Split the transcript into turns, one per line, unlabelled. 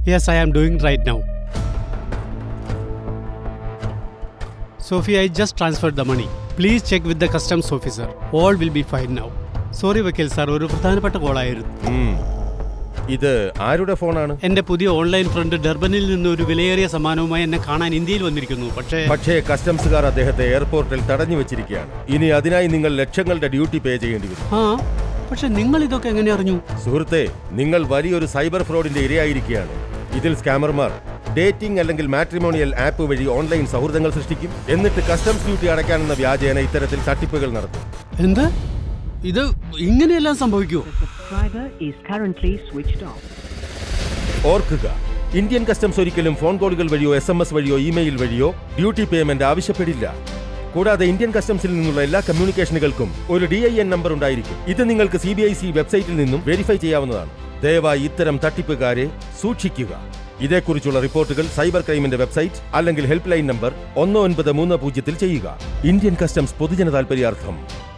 Yes, I am doing right now. Sophie, I just transferred the money. Please check with the customs officer. All will be fine now. Sorry, വക്കീൽ sir, ഒരു പ്രധാനപ്പെട്ട കോളായിരുന്നു.
ഇത് ആരുടെ ഫോണാണ്?
എന്റെ പുതിയ online front ഡർബനിൽ നിന്ന് ഒരു വിലയേറിയ സമ്മാനവുമായി എന്നെ കാണാൻ ഇന്ത്യയിൽ വന്നിരിക്കുന്നു. പക്ഷേ
കസ്റ്റംസുകാർ അദ്ദേഹത്തെ എയർപോർട്ടിൽ തടഞ്ഞു വെച്ചിരിക്കുകയാണ്. ഇനി അതിനായി നിങ്ങൾ ലക്ഷങ്ങളുടെ ഡ്യൂട്ടി പേ ചെയ്യേണ്ടി വരും.
പക്ഷെ നിങ്ങൾ ഇതൊക്കെ എങ്ങനെ അറിഞ്ഞു?
സുഹൃത്തെ, നിങ്ങൾ വലിയൊരു സൈബർ ഫ്രോഡിന്റെ ഇരയായിരിക്കുകയാണ്. ഇതിൽ സ്കാമർമാർ ഡേറ്റിംഗ് അല്ലെങ്കിൽ മാട്രിമോണിയൽ ആപ്പ് വഴി ഓൺലൈൻ സൗഹൃദങ്ങൾ സൃഷ്ടിക്കും. എന്നിട്ട് കസ്റ്റംസ് ഡ്യൂട്ടി അടയ്ക്കാനെന്ന വ്യാജേന ഇത്തരത്തിൽ തട്ടിപ്പുകൾ നടത്തും.
എന്ത്? ഇത് ഇങ്ങനെയെല്ലാം സംഭവിക്കുമോ?
ഓർക്കുക, ഇന്ത്യൻ കസ്റ്റംസ് ഒരിക്കലും ഫോൺ കോളുകൾ വഴിയോ SMS വഴിയോ ഇമെയിൽ വഴിയോ ഡ്യൂട്ടി പേയ്മെന്റ് ആവശ്യപ്പെടില്ല. കൂടാതെ ഇന്ത്യൻ കസ്റ്റംസിൽ നിന്നുള്ള എല്ലാ കമ്മ്യൂണിക്കേഷനുകൾക്കും ഒരു DIN നമ്പർ ഉണ്ടായിരിക്കും. ഇത് നിങ്ങൾക്ക് CBIC വെബ്സൈറ്റിൽ നിന്നും വെരിഫൈ ചെയ്യാവുന്നതാണ്. ദയവായി ഇത്തരം തട്ടിപ്പുകാരെ സൂക്ഷിക്കുക. ഇതേക്കുറിച്ചുള്ള റിപ്പോർട്ടുകൾ സൈബർ ക്രൈമിന്റെ വെബ്സൈറ്റ് അല്ലെങ്കിൽ ഹെൽപ്പ് ലൈൻ നമ്പർ 1930 ചെയ്യുക. ഇന്ത്യൻ കസ്റ്റംസ് പൊതുജന താൽപര്യാർത്ഥം.